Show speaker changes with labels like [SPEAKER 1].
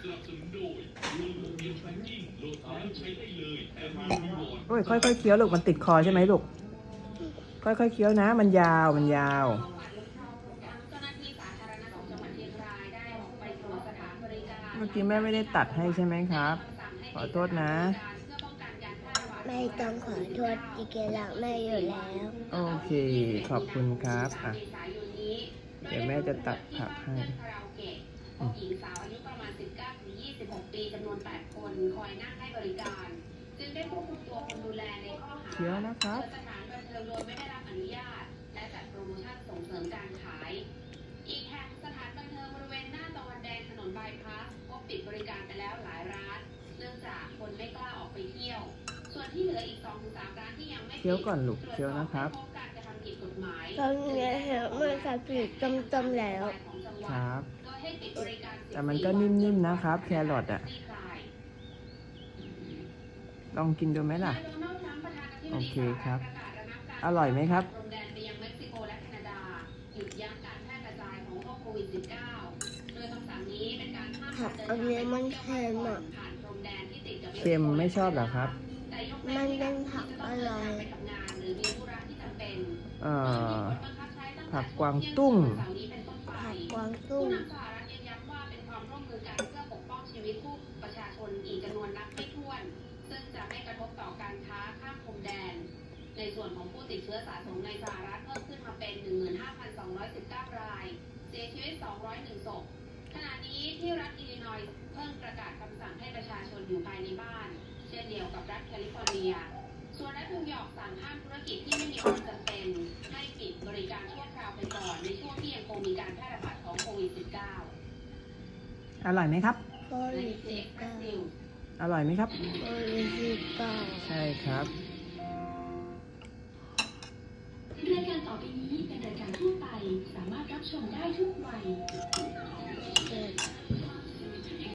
[SPEAKER 1] โอ้ยค่อยๆเคี้ยวลูกมันติดคอใช่ไหมลูกค่อยๆเคี้ยวนะมันยาวมันยาวเมื่อกี้แม่ไม่ได้ตัดให้ใช่ไหมครับขอโทษนะ
[SPEAKER 2] ไม่ต้องขอโทษอีกแล้วแม่อยู่แล้ว
[SPEAKER 1] โอเคขอบคุณครับอ่ะเดี๋ยวแม่จะตัดผักให้
[SPEAKER 3] หญิงสาวอายุประมาณ 19-26 ปีจำนวน 8 คนคอยนั่งให้บริการจึงได้ควบคุมตัวคนดูแลในข้อหา
[SPEAKER 1] เคี้ยวนะครับ
[SPEAKER 3] สถานบันเทิงโดยไม่ได้รับอนุญาตและจัดโปรโมชั่นส่งเสริมการขายอีกแห่งสถานบันเทิงบริเวณหน้าตะวันแดงถนนบายพาสก็ปิดบริการไปแล้วหลายร้านเนื่องจากคนไม่กล้าออกไปเที่ยวส่วนที่เหลืออีก 2-3 ร้านที่ยังไม่
[SPEAKER 1] เคี้ยวก่อนลูกเคี้ยวนะครับ
[SPEAKER 2] ตอนนี้เห็นมันจะผิดจมๆแล้ว
[SPEAKER 1] ครับแต่มันก็นิ่มๆนะครับแครอทอ่ะลองกินดูไหมล่ะโอเคครับอร่อยไหมครับ
[SPEAKER 2] ผักอันนี้มันเค็มอ่ะ
[SPEAKER 1] เค็มไม่ชอบเหรอครับ
[SPEAKER 2] มันเป็นผักอร่อย
[SPEAKER 1] ผักกวางตุ้ง
[SPEAKER 2] ผักกวางตุ้ง
[SPEAKER 3] ประชาชนอีกจำนวนนับไม่ถ้วนซึ่งจะไม่กระทบต่อการค้าข้ามพรมแดนในส่วนของผู้ติดเชื้อสะสมในสหรัฐเพิ่มขึ้นมาเป็น 15,219 รายเสียชีวิต 201 ศพขณะนี้ที่รัฐอิลลินอยส์เพิ่งประกาศคำสั่งให้ประชาชนอยู่ภายในบ้านเช่นเดียวกับรัฐแคลิฟอร์เนียส่วนรัฐนิวยอร์กสั่งห้ามธุรกิจที่ไม่มีความจำเป็นให้ปิดบริการชั่วคราวไปก่อนในช่วงที่ยังคงมีการแพร่ระบาดของโควิด -19
[SPEAKER 1] อร่อยไหมครับ
[SPEAKER 2] โควิด
[SPEAKER 1] อร่อยไหมครับ
[SPEAKER 2] โควิด
[SPEAKER 1] ใช่ครับ
[SPEAKER 3] รายการต่อไปนี้เป็นรายการทั่วไปสามารถรับชมได้ทุกวัย